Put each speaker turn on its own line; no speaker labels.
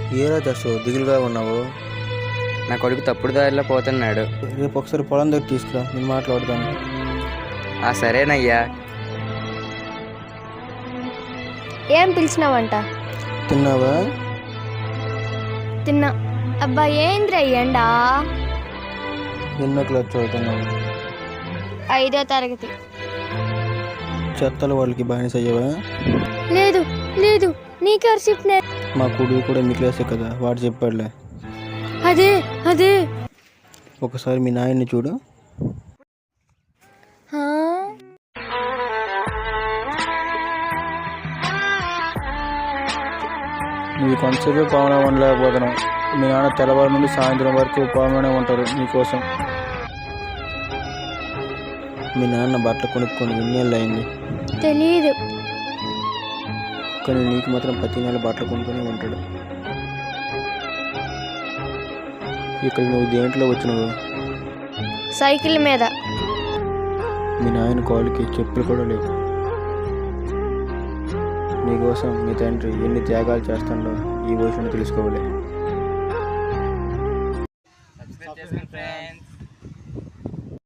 ఏరా జస్సు దిగులుగా ఉన్నావు?
నా కొడుకు తప్పుడు దారిలో పోతున్నాడు.
రేపు ఒకసారి పొలం దగ్గర తీసుకురా, నేను మాట్లాడతాను.
సరేనయ్యా.
ఏం పిలిచినావంట?
తిన్నావా?
తిన్నా. అబ్బా ఏంద్ర ఎండా?
ఎన్నో క్లాస్ చదువుతున్నావు?
5వ తరగతి.
చెత్తలు వాళ్ళకి బానిస అయ్యావా?
లేదు లేదు, నీకెవరు చెప్పిన?
మా కొడుకు కూడా మీ క్లాసే కదా, వాడు చెప్పాడులే.
అదే అదే.
ఒకసారి మీ నాయన్ని చూడు. నువ్వు కొంతసేపే పావన ఉండలేకపోతున్నావు. మీ నాన్న తెల్లవారు నుండి సాయంత్రం వరకు పావననే ఉంటారు నీకోసం. మీ నాన్న బట్టలు కొనుక్కొని ఎన్నేళ్ళు అయింది
తెలీదు,
కానీ నీకు మాత్రం ప్రతి నెల బట్టలు కొనుక్కొని ఉంటాడు. ఇక్కడ నువ్వు దేంట్లో వచ్చినావు?
సైకిల్ మీద.
మీ నాయన కాలుకి చెప్పులు కూడా లేవు. నీకోసం మీ తండ్రి ఎన్ని త్యాగాలు చేస్తాడో ఈ వయసులో తెలుసుకోవాలి.